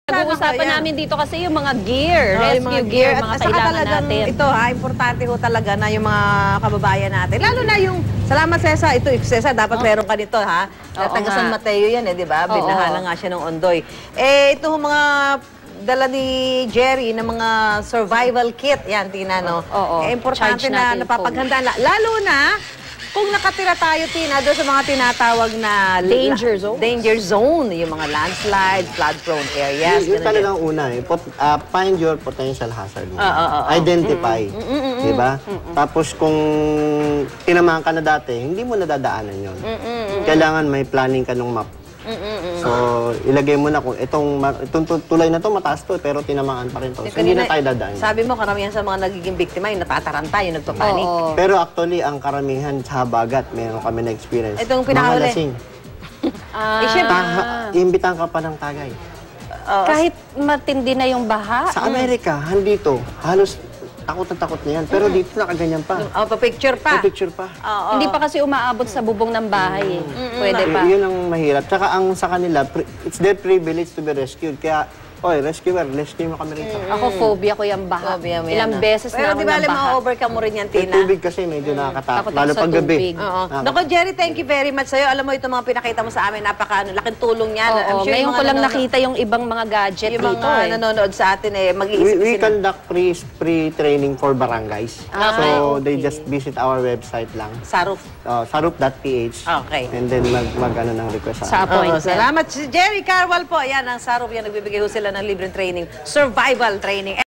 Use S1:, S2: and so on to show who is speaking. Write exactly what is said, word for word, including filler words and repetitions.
S1: Pag-uusapan namin dito kasi yung mga gear,
S2: oh,
S1: rescue
S2: yung mga
S1: gear,
S2: gear.
S1: mga
S2: At saka
S1: kailangan
S2: talagang
S1: natin.
S2: ito ha, importante ho talaga na yung mga kababayan natin. Lalo na yung, salamat Cesa, ito Cesa, dapat oh. meron ka nito ha.
S1: Oo,
S2: taga San Mateo yan eh, di ba? Binahala nga siya ng Ondoy. Eh, ito mga dala ni Jerry ng mga survival kit. Yan, Tina, no?
S1: Oo.
S2: Eh, importante na napapaghandaan. Lalo na, kung nakatira tayo, Tina, doon sa mga tinatawag na
S1: danger zone,
S2: danger zone, yung mga landslide, flood-prone areas.
S3: Yung talagang una eh, pot, uh, find your potential hazard.
S2: Uh, uh, uh, uh,
S3: Identify.
S2: Mm, mm, mm,
S3: di ba?
S2: mm, mm.
S3: Tapos kung tinamaan ka na dati, hindi mo nadadaanan yun. Mm, mm, mm. Kailangan may planning ka ng map. Mm, mm, mm. So, ilagay mo na kung itong, itong tulay na to mataas to, pero tinamaan pa rin to. So, hindi na tayo dadaan.
S2: Sabi mo, karamihan sa mga nagiging biktima, yung natataranta, yung nagpapanik.
S3: Oo. Pero actually, ang karamihan sa habagat, meron kami na experience.
S2: Itong pinakahuli.
S3: Mga lasing.
S1: Ah.
S2: Eh, syempre,
S3: imbitahan ka pa ng tagay.
S1: Uh, Kahit matindi na yung baha.
S3: Sa Amerika, handito, halos takot na takot na yan. Pero mm. dito nakaganyan pa.
S2: Oh, pa-picture pa.
S3: Pa-picture pa.
S2: Oh, oh.
S1: Hindi pa kasi umaabot sa bubong ng bahay. Mm. Eh. Pwede pa.
S3: Y yun ang mahirap. Tsaka ang sa kanila, it's their privilege to be rescued. Kaya, oy, rescuer, rescue mo kami rito.
S1: Mm. Ako, phobia ko yung baha. Phobia mo Ilang yan, beses
S2: pero
S1: na ako
S2: diba,
S1: ng baha.
S2: Pero di ba, ma-overcome mo rin yan, Tina?
S3: Yung tubig kasi medyo mm. nakakatakot. Lalo pag gabi.
S2: Oo. Naku, Jerry, thank you very much sa'yo. Alam mo, itong mga pinakita mo sa amin, napaka, ano, laking tulong yan.
S1: Oo, sure ngayon ko lang nakita yung ibang mga gadget
S2: yung
S1: dito.
S2: Yung mga
S1: eh.
S2: nanonood sa atin, eh, mag-iisip
S3: We, we conduct pre-training for barangays.
S2: Ah,
S3: so,
S2: okay.
S3: they just visit our website lang.
S2: Saruf.
S3: Uh, sarup dot p h.
S2: Okay.
S3: And then mag, mag ano ng request
S1: sa appointment.
S2: Salamat. Si Jerry Carwal po. Yan, ang Saruf yan. Nagbibigay ho sila ng libreng training. Survival training.